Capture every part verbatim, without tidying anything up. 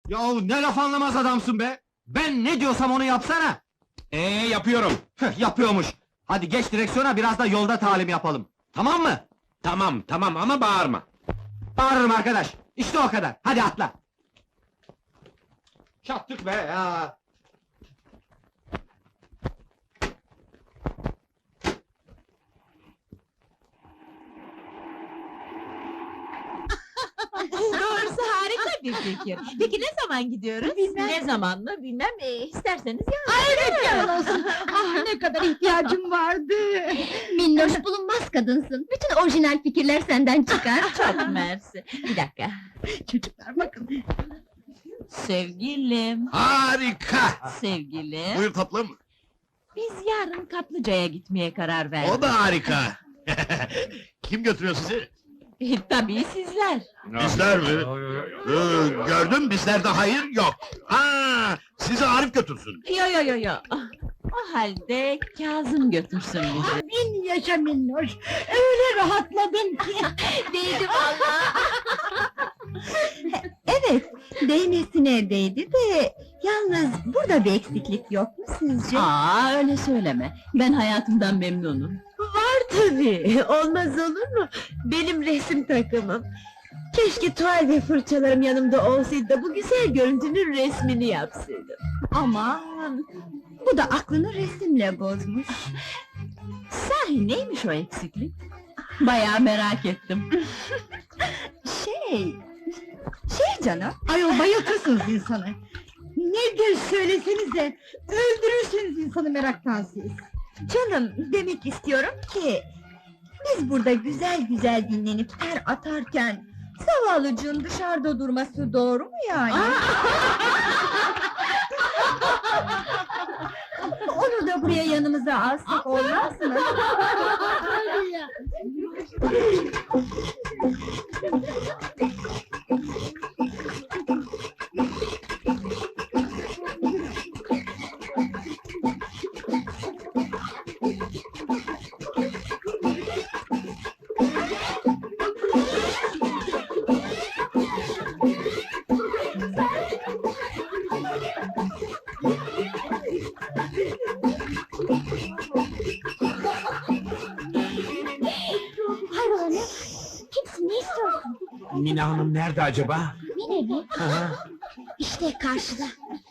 Yahu ne laf anlamaz adamsın be! Ben ne diyorsam onu yapsana! Ee yapıyorum. Hıh, yapıyormuş! Hadi geç direksiyona, biraz da yolda talim yapalım! Tamam mı? Tamam tamam ama bağırma. Bağırırım arkadaş! İşte o kadar! Hadi atla! Çattık be ya! Doğrusu harika bir fikir. Peki ne zaman gidiyoruz? Bilmem. Ne zaman mı bilmem, e, isterseniz ya. Evet, yalan olsun. Ah, ne kadar ihtiyacım vardı! Minnoş bulunmaz kadınsın. Bütün orijinal fikirler senden çıkar. Çok mersi. Bir dakika. Çocuklar bakın. Sevgilim, Harika! sevgilim. Buyur tatlım. Biz yarın Kaplıca'ya gitmeye karar verdik. O da harika. Kim götürüyor sizi? E, tabii sizler. Bizler mi? Ee, gördüm bizlerde hayır yok. Ha, sizi Arif götürsün. Yo yo yo yo. O halde Kazım götürsün bizi. Bin yaşa Minnoş! Öyle rahatladım ki! Değdi vallahi. Evet, değmesin evdeydi de... Yalnız burada bir eksiklik yok mu sizce? Aa, öyle söyleme. Ben hayatımdan memnunum. Var tabii, olmaz olur mu? Benim resim takımım. Keşke tuval ve fırçalarım yanımda olsaydı da bu güzel görüntünün resmini yapsaydım. Aman! Bu da aklını resimle bozmuş. Sahi neymiş o eksiklik? Bayağı merak ettim. Şey... Şey canım, ayol bayıltırsınız insanı! Nedir söylesenize! Öldürürsünüz insanı meraktan siz! Canım, demek istiyorum ki... Biz burada güzel güzel dinlenip ter atarken... Zavallıcığın dışarıda durması doğru mu yani? Onu da buraya yanımıza alsak olmaz mı? Hayrola ne? Kimsin, ne istiyorsun? Mina Hanım nerede acaba? Mine mi? Hı hı. İşte karşıda.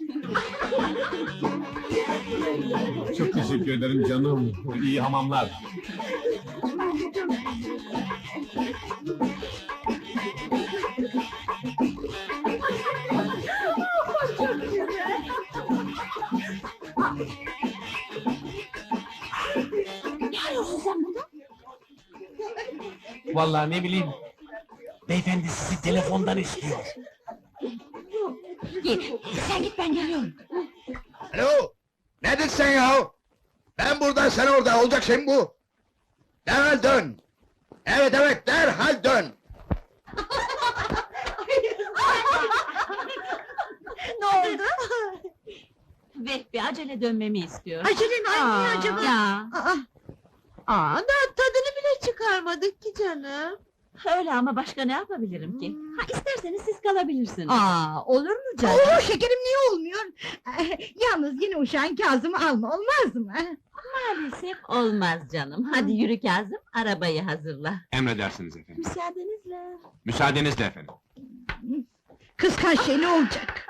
Çok teşekkür ederim canım. İyi hamamlar. Ne arıyorsun sen burada? Vallahi ne bileyim. Beyefendi sizi telefondan istiyor. Git, sen git ben geliyorum. Alo! Nedir sen ya? Ben burada, sen orada, olacak şey mi bu? Derhal dön! Evet evet, derhal dön! Ne oldu? Vehbi acele dönmemi istiyor. Acele mi? Ay, niye acaba? Ya, Aa, Aa, daha tadını bile çıkarmadık ki canım. öyle ama başka ne yapabilirim ki? Ha, isterseniz siz kalabilirsiniz. aa, olur mu canım? Oo, şekerim niye olmuyor? Eh, Yalnız yine uşağın Kazım'ı alma, olmaz mı? Maalesef olmaz canım. Hadi yürü Kazım, arabayı hazırla. Emredersiniz efendim. Müsaadenizle. Müsaadenizle efendim. Kıskanç şey ne olacak?